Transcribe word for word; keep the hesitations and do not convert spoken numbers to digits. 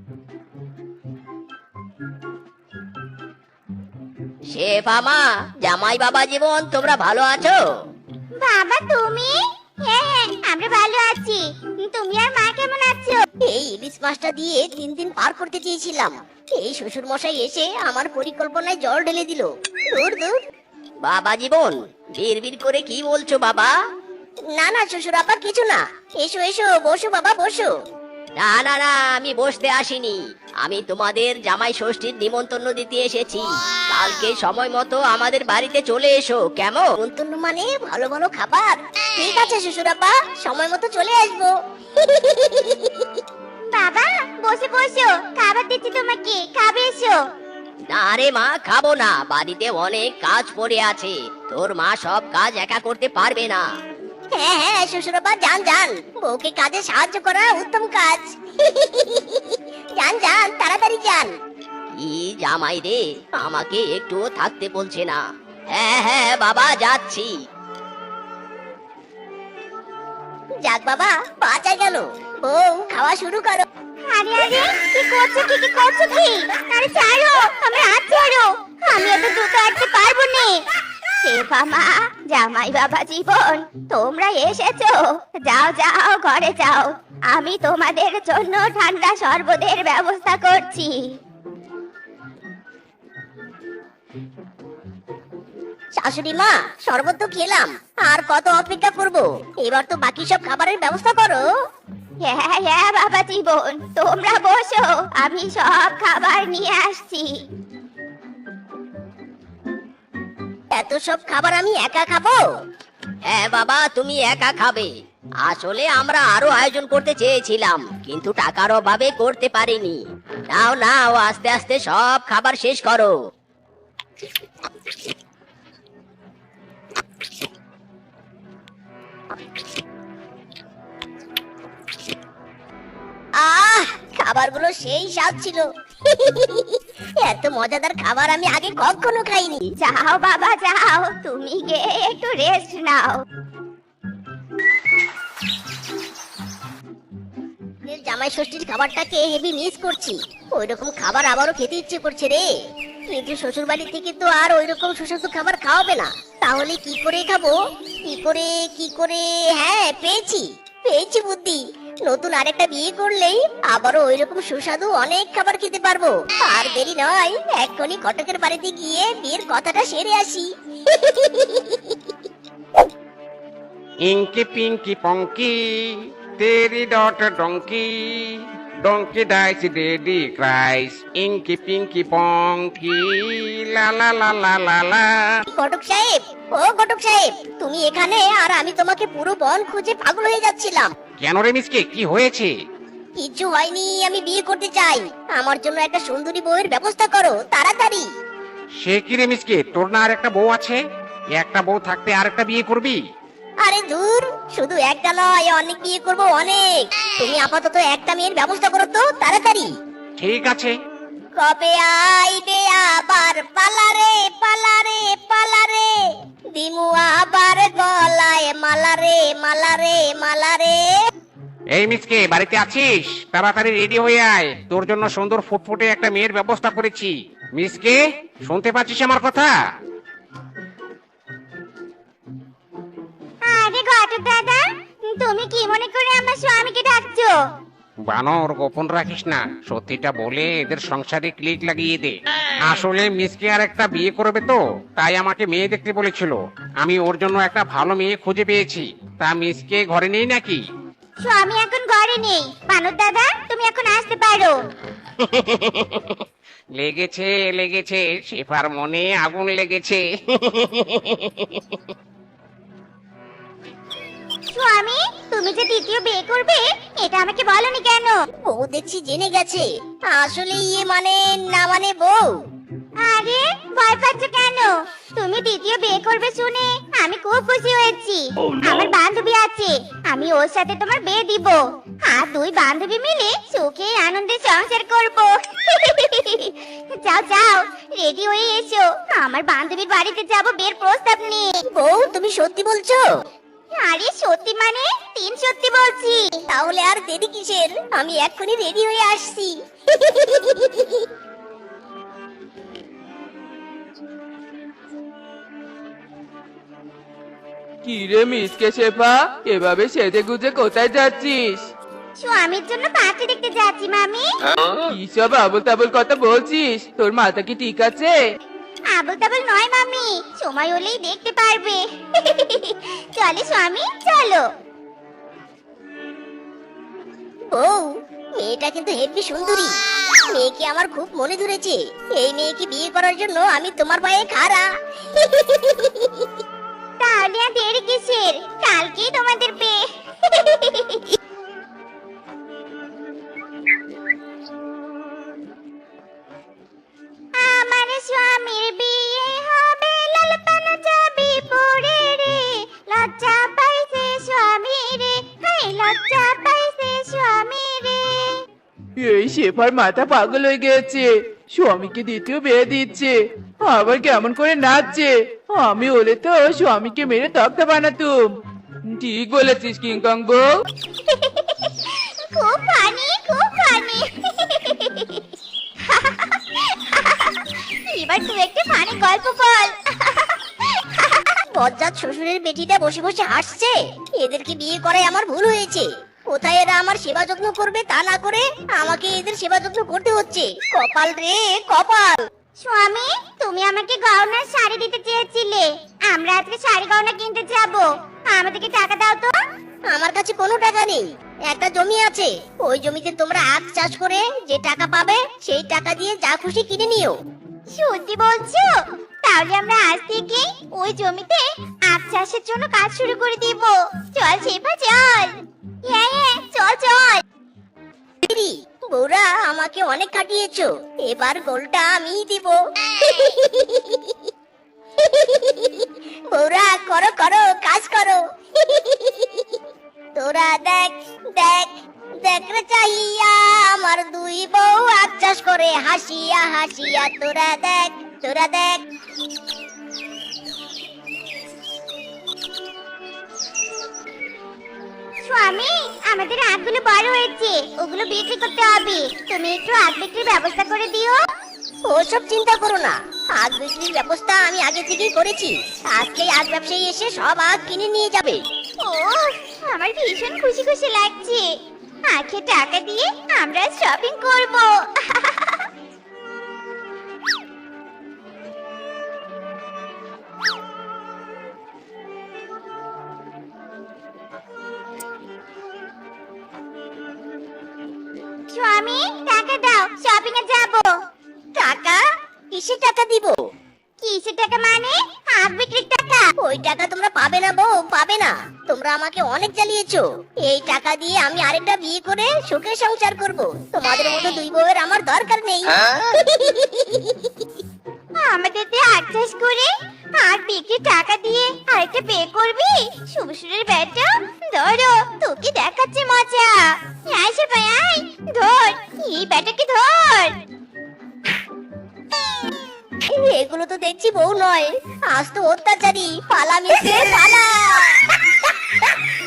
শেফা মা, জামাই বাবা জীবন, তোমরা ভালো আছো? বাবা তুমি? হ্যাঁ হ্যাঁ আমরা ভালো আছি। তুমি আর মা কেমন আছো? এই ইলিশ মাছটা দিয়ে তিন দিন পার করতে চেয়েছিলাম, এই শ্বশুর মশাই এসে আমার পরিকল্পনায় জল ঢেলে দিল। দূর দূর। বাবা জীবন, বিড়বিড় করে কি বলছো বাবা? না না শ্বশুর আপা, কিছু না। এসো এসো, বসো বাবা বসো। না না না, আমি বসতে আসিনি, আমি তোমাদের জামাই ষষ্ঠীর নিমন্ত্রণ দিতে এসেছি। কালকে সময় মতো আমাদের বাড়িতে চলে এসো, কেমন? নিমন্ত্রণ মানে ভালো ভালো খাবার। ঠিক আছে শ্বশুর আপা, সময় মতো চলে আসবো। বাবা বসে বসো, খাবার দিচ্ছি তোমাকে, খাবে এসো। না রে মা, খাবো না, বাড়িতে অনেক কাজ পড়ে আছে, তোর মা সব কাজ একা করতে পারবে না। হ্যাঁ হ্যাঁ শ্বশুরবা, যান যান, বউকে কাজে সাহায্য করা উত্তম কাজ। যান যান, তাড়াতাড়ি যান। কি জামাই রে, আমাকে একটু থাকতে বলছে না। হ্যাঁ হ্যাঁ বাবা, যাচ্ছি। যাক বাবা, বাঁচা গেল। বউ, খাওয়া শুরু করো। আরে আরে কি করছো, কি কি করছো কি? আরে ছাড়ো, আমার হাত ছাড়ো, আমি এত দ্রুত হাঁটতে পারবো না। শেফা মা, জামাই বাবা জীবন, তোমরা এসেছো? যাও যাও, ঘরে যাও, আমি তোমাদের জন্য ঠান্ডা শরবতের ব্যবস্থা করছি। শাশুড়ি মা, শরবত তো খেলাম, আর কত অপেক্ষা করব? এবার তো বাকি সব খাবারের ব্যবস্থা করো। হ্যাঁ হ্যাঁ বাবা জীবন, তোমরা বসো, আমি সব খাবার নিয়ে আসছি। এত সব খাবার আমি একা খাবো? হ্যাঁ বাবা, তুমি একা খাবে। আসলে আমরা আরো আয়োজন করতে চেয়েছিলাম, কিন্তু টাকার অভাবে করতে পারিনি। নাও নাও, আস্তে আস্তে সব খাবার শেষ করো। আহ, খাবারগুলো সেই স্বাদ ছিল। এত মজাদার খাবার আমি আগে কখনো খাইনি। যাও বাবা যাও, তুমি গিয়ে একটু রেস্ট নাও। জামাই ষষ্ঠীর খাবারটাকে হেভি মিস করছি। ওইরকম খাবার আবারও খেতে ইচ্ছে করছে রে, কিন্তু শ্বশুর বাড়ি থেকে তো আর ওইরকম সুস্বাদু খাবার খাওয়াবে না। তাহলে কি করে খাবো? কি করে কি করে হ্যাঁ, পেয়েছি পেয়েছি বুদ্ধি। নতুন আরেকটা বিয়ে করলেই আবারও ওইরকম সুস্বাদু অনেক খাবার খেতে পারবো। আর দেরি নয়, এক্ষুনি ঘটকের বাড়িতে গিয়ে বিয়ের কথাটা সেরে আসি। इंकी पिंकी पंकी तेरी daughter donkey donkey dies daddy cries inky pinky ponky লা লা লা লা লা লা। ঘটক সাহেব, ও ঘটক সাহেব, তুমি এখানে, আর আমি তোমাকে পুরো বন খুঁজে পাগল হয়ে যাচ্ছিলাম। কেন রে মিসকে, কি হয়েছে? কিছু হয়নি, আমি বিয়ে করতে চাই। আমার জন্য একটা সুন্দরী বউয়ের ব্যবস্থা করো তাড়াতাড়ি। সে কি রে মিসকে, তোর না আর একটা বউ আছে? একটা বউ থাকতে আর একটা বিয়ে করবি? আরে দূর, শুধু একটা নয়, অনেক বিয়ে করব অনেক। তুমি আপাতত একটা মেয়ের ব্যবস্থা করো তো তাড়াতাড়ি। ঠিক আছে। কবে আইবে আবার পালারে পালারে পালারে, দিমু আবার গলায় মালারে মালারে মালারে। এই মিসকে, বাড়িতে আছিস? তাড়াতাড়ি রেডি হয়ে আয়, তোর জন্য সুন্দর ফুটফুটে একটা মেয়ের ব্যবস্থা করেছি। মিসকে, শুনতে পাচ্ছিস আমার কথা? আরে ঘটক দাদা, তুমি কি মনে করে আমার স্বামীকে ডাকছো? বানর, গোপন রাখিস না, সত্যিটা বলে এদের সংসারে ক্লিক লাগিয়ে দে। আসলে মিসকে আর একটা বিয়ে করবে তো, তাই আমাকে মেয়ে দেখতে বলেছিল। আমি ওর জন্য একটা ভালো মেয়ে খুঁজে পেয়েছি। তা মিসকে ঘরে নেই নাকি? স্বামী এখন ঘরে নেই। বানর দাদা, তুমি এখন আসতে পারো। লেগেছে লেগেছে, শেফার মনে আগুন লেগেছে। স্বামী, তুমি যে দ্বিতীয় বিয়ে করবে, এটা আমাকে বলনি কেন? বউ দেখছি জেনে গেছে। আসলে ইয়ে মানে না মানে বউ। আরে ভয় পাচ্ছ কেন? তুমি দ্বিতীয় বিয়ে করবে শুনে আমি খুব খুশি হয়েছি। আমার বান্ধবী আছে, আমি ওর সাথে তোমার বিয়ে দিব। আর দুই বান্ধবী মিলে সুখে আনন্দে সংসার করব। যাও যাও, রেডি হয়ে এসো, আমার বান্ধবীর বাড়িতে যাব বিয়ের প্রস্তাব নিয়ে। বউ, তুমি সত্যি বলছো? আরে সত্যি মানে তিন সত্যি বলছি। তাহলে আর দেরি কিসের, আমি এক্ষুনি রেডি হয়ে আসছি। কি রে মিসকে শেফা, এভাবে সেজে গুজে কোথায় যাচ্ছিস? স্বামীর জন্য পাত্রী দেখতে যাচ্ছি মামি। কি সব আবল তাবল কথা বলছিস? তোর মাথা কি ঠিক আছে? আবল তাবল নয় মামি, সময় হলেই দেখতে পারবে। চলে স্বামী চলো। বউ, মেয়েটা কিন্তু হেব্বি সুন্দরী। মেয়েকে আমার খুব মনে ধরেছে। এই মেয়েকে বিয়ে করার জন্য আমি তোমার পায়ে খাড়া। তাহলে আর দেরি কিসের, কালকেই তোমাদের বিয়ে। আমার স্বামীর বিয়ে হবে, লাল পানা যাবি পড়ে রে, লজ্জা পাইছে স্বামী রে, হায় লজ্জা পাইছে স্বামী রে। এই শেফার মাথা পাগল হয়ে গেছে, স্বামীকে দ্বিতীয় বিয়ে দিচ্ছে, আবার কেমন করে নাচছে। আমি হলে তো স্বামীকে মেরে তক্তা বানাতুম। ঠিক বলেছিস কিংকং বউ। খুব ফানি, খুব ফানি। এবার তুই একটা ফানি গল্প বল। বজ্জাত শ্বশুরের বেটিটা বসে বসে হাসছে। এদেরকে বিয়ে করায় আমার ভুল হয়েছে। কোথায় এরা আমার সেবা যত্ন করবে তা না করে আমাকে এদের সেবা যত্ন করতে হচ্ছে। কপাল রে কপাল। স্বামী, তুমি আমাকে গয়নার শাড়ি দিতে চেয়েছিলে, আমরা আজকে শাড়ি গয়না কিনতে যাব, আমাদেরকে টাকা দাও তো। আমার কাছে কোনো টাকা নেই। একটা জমি আছে, ওই জমিতে তোমরা আখ চাষ করে যে টাকা পাবে সেই টাকা দিয়ে যা খুশি কিনে নিও। সত্যি বলছো? তাহলে আমরা আজ থেকে ওই জমিতে আখ চাষের জন্য কাজ শুরু করে দিব। চল শেফা চল। হ্যাঁ হ্যাঁ চল চল। দিদি, বউরা আমাকে অনেক খাটিয়েছো, এবার গোলটা আমিই দিব। বউরা করো করো কাজ করো। তোরা দেখ দেখ দেখ রে চাহিয়া, আমার দুই বউ আখ চাষ করে হাসিয়া হাসিয়া। তোরা দেখ তোরা দেখ। স্বামী, আমাদের আখগুলো বড় হয়েছে, ওগুলো বিক্রি করতে হবে, তুমি একটু আখ বিক্রির ব্যবস্থা করে দিও। ওসব চিন্তা করো না, আখ বিক্রির ব্যবস্থা আমি আগে থেকেই করেছি। আজকেই আখ ব্যবসায়ী এসে সব আখ কিনে নিয়ে যাবে। ও, আমার ভীষণ খুশি খুশি লাগছে। আখে টাকা দিয়ে আমরা শপিং করব। স্বামী, টাকা দাও, শপিং এ যাব। টাকা? কিসের টাকা দিব? কিসের টাকা মানে? আখ বিক্রির টাকা। ওই টাকা তোমরা পাবে না বউ, পাবে না। তোমরা আমাকে অনেক জ্বালিয়েছো। এই টাকা দিয়ে আমি আরেকটা বিয়ে করে সুখে সংসার করব। তোমাদের মতো দুই বউয়ের আমার দরকার নেই। আমাদের দিয়ে আখ চাষ করে আখ বিক্রির টাকা দিয়ে আরেকটা বিয়ে করবি? শ্বশুরের বেটা, ধরো তোকে দেখাচ্ছে মজা। আসে ভাই আয়, ধর এই বেটাকে ধর। এগুলো তো দেখছি বউ নয়, আজ তো অত্যাচারী। পালা মিশে পালা।